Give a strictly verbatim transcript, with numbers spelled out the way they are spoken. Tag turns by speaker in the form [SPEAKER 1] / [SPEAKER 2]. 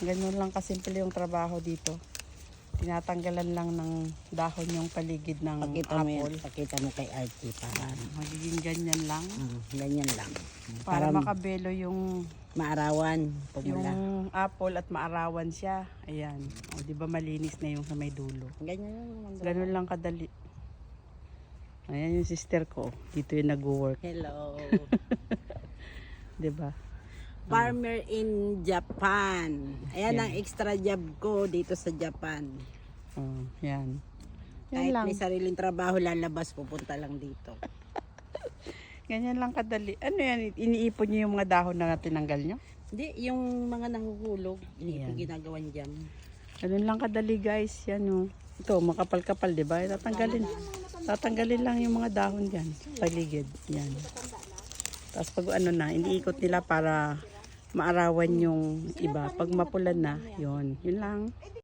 [SPEAKER 1] Ganun lang kasimple yung trabaho dito. Tinatanggalan lang ng dahon yung paligid ng
[SPEAKER 2] Pakita mo yan,
[SPEAKER 1] apple.
[SPEAKER 2] pakita mo kay Archie para
[SPEAKER 1] Magiging ganyan lang.
[SPEAKER 2] mm, ganyan lang.
[SPEAKER 1] Para,
[SPEAKER 2] Para,
[SPEAKER 1] makabelo yung
[SPEAKER 2] maarawan,
[SPEAKER 1] yung
[SPEAKER 2] pumula.
[SPEAKER 1] apple at maarawan siya. Ayan. O, di ba malinis na yung sa may dulo.
[SPEAKER 2] Ganyan lang.
[SPEAKER 1] Ganun lang kadali. Ayan yung sister ko. Dito yung nag-work.
[SPEAKER 2] Hello.
[SPEAKER 1] Di ba?
[SPEAKER 2] Farmer in Japan. Ayan
[SPEAKER 1] Yan.
[SPEAKER 2] ang extra job ko dito sa Japan.
[SPEAKER 1] Oh, yan. Yan
[SPEAKER 2] Kahit
[SPEAKER 1] lang.
[SPEAKER 2] may sariling trabaho, lalabas, pupunta lang dito.
[SPEAKER 1] Ganyan lang kadali. Ano yan? Iniipon niyo yung mga dahon na tinanggal nyo?
[SPEAKER 2] Hindi, yung mga nanguhulog, hindi
[SPEAKER 1] Ayan.
[SPEAKER 2] ko ginagawan jam.
[SPEAKER 1] Ganun lang kadali guys. Yan o. Ito, makapal-kapal, di ba? Tatanggalin. Tatanggalin lang yung mga dahon dyan. Paligid. Yan. Tapos pag ano na, iniikot nila para maarawan yung iba. Pag mapulan na, yun. Yun lang.